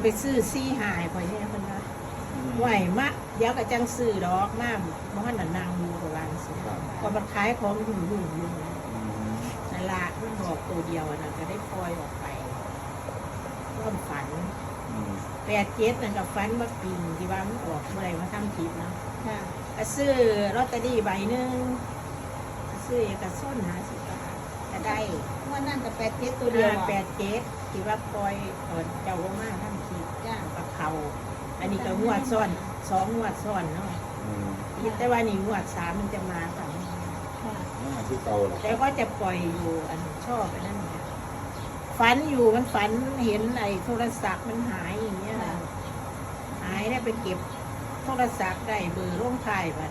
ซื้อซี่หายไปเนี่ยมันนะไหวมะเดี๋ยวก็จังซื้อดอกมากเพราะว่านั่งอยู่กับร้านซื้อก็มันขายของหุ่นอยู่นั่นละมันบอกตัวเดียวนะก็ได้ปล่อยออกไปร่วมฝัน87นั่นกับฝันว่าปิงที่ว่ามันออกเมื่อไรมาทำคลิปเนาะก็ซื้อลอตเตอรี่ใบหนึ่งซื้อเอกชน50 บาทก็ได้วันนั้นกับ87ตัวเดียว 87ที่ว่าปล่อยเจ้าว่ามาทำคลิปจ้ากับเขาอันนี้ก็งวดซ้อน2 งวดซ้อนเนาะแต่ว่านี่งวด3มันจะมาค่ะที่เก่าเหรอแต่ก็จะปล่อยอยู่อันชอบอันนั้นเนี่ยฝันอยู่มันฝันเห็นไอ้โทรศัพท์มันหายอย่างเงี้ยนะหายได้ไปเก็บโทรศัพท์ได้เบอร์ร่วงท้ายบัด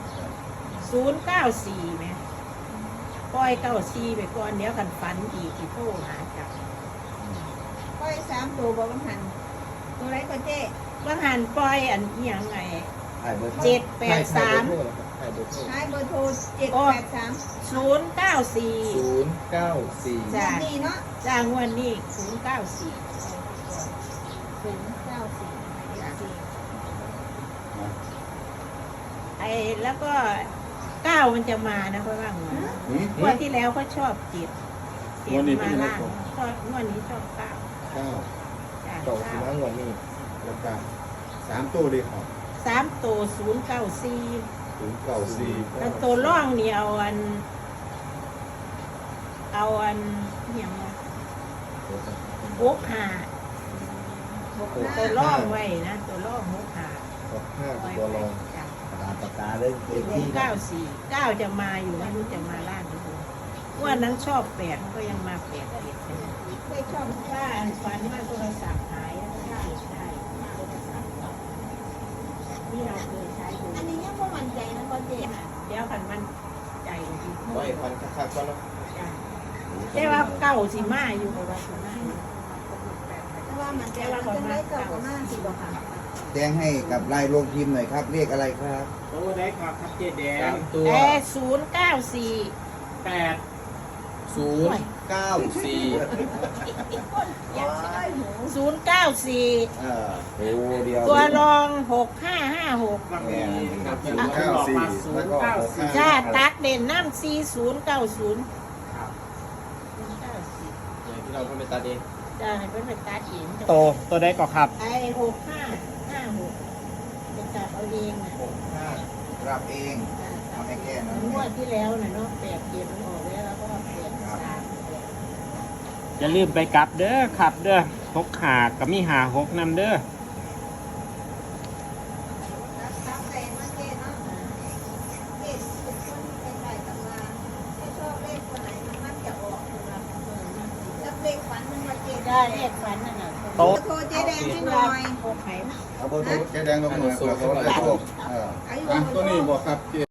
094ไหมปล่อย94ไปก่อนเดี๋ยวกันฝันอีกที่โทรหาจับก้อย3ตัวบอกว่าหันตัวไรก็เจ๊ว่าหันปล่อยอันเอียงไงถ่ายเบอร์ 783 ถ่ายเบอร์โทรท้ายเบอร์โทร783 094 094 จ้ะนี่เนาะจ้างวันนี้094ไอ้แล้วก็9มันจะมานะเพราะว่าเงินงวดที่แล้วเขาชอบ7มาล่างชอบงวดนี้ชอบ9 9 จ้ะต่อสิบห้างวดนี้แล้วก็3ตัวเลยครับ 3ตัว094 094 แล้วตัวร่องนี่เอาอันอย่างว่า65ตัวร่องไว้นะตัวร่อง65 65ตัวรองจ้ะปากกาเลยเลขที่ 9จะมาอยู่ไม่รู้จะมาล่างหรือเปล่าว่านั้นชอบ8มันก็ยังมา8 ได้ชอบถ้าอันฝันว่าโทรศัพท์หายแล้วก็ได้ที่เราเคยใช้อยู่อันนี้ยังบ่มั่นใจนะก็เจ๊เดี๋ยวกันมันใจดีไว้พันคักๆก่อนเนาะแต่ว่าเก่าสิมาอยู่กับว่าสิมาอยู่เพราะว่ามันใจว่าจะได้เก่าก็มากสิบ่ค่ะแจ้งให้กับลายโรงพิมพ์หน่อยครับเรียกอะไรครับตัวได้ครับเจ๊แดงตัวแต่094 8 094 โอ้เดียวตัวรอง6556 ก็มีครับอยู่ก็บอกมา094 จ้าตัดเด่นน้ำ4090 ครับอย่างที่เราทำเป็นตาเองจ้าให้เพิ่นไปตัดเองตัวได้ก็ครับไอ้6556เป็นตัดเอาเองนะ 65รับเองเอาให้แก้หน่อยงวดที่แล้วน่ะเนาะ87มันออกแล้วแล้วก็83 อย่าลืมไปกลับเด้อครับเด้อ6 หากับมีหา6นำเด้อรับแต่มาเจ๊เนาะเจ๊เป็นคนเป็นไรตำราถ้าชอบเลขตัวไหนมันจะออกตัวละแล้วเลขฝันมันมาเจ๊ได้เลขฝันนั่นน่ะโทรเจ๊แดงให้หน่อยโอเคเอาเบอร์โทรแกแดงลงหน่อยเผื่อเขาได้โชคอายุตัวนี้บอกครับ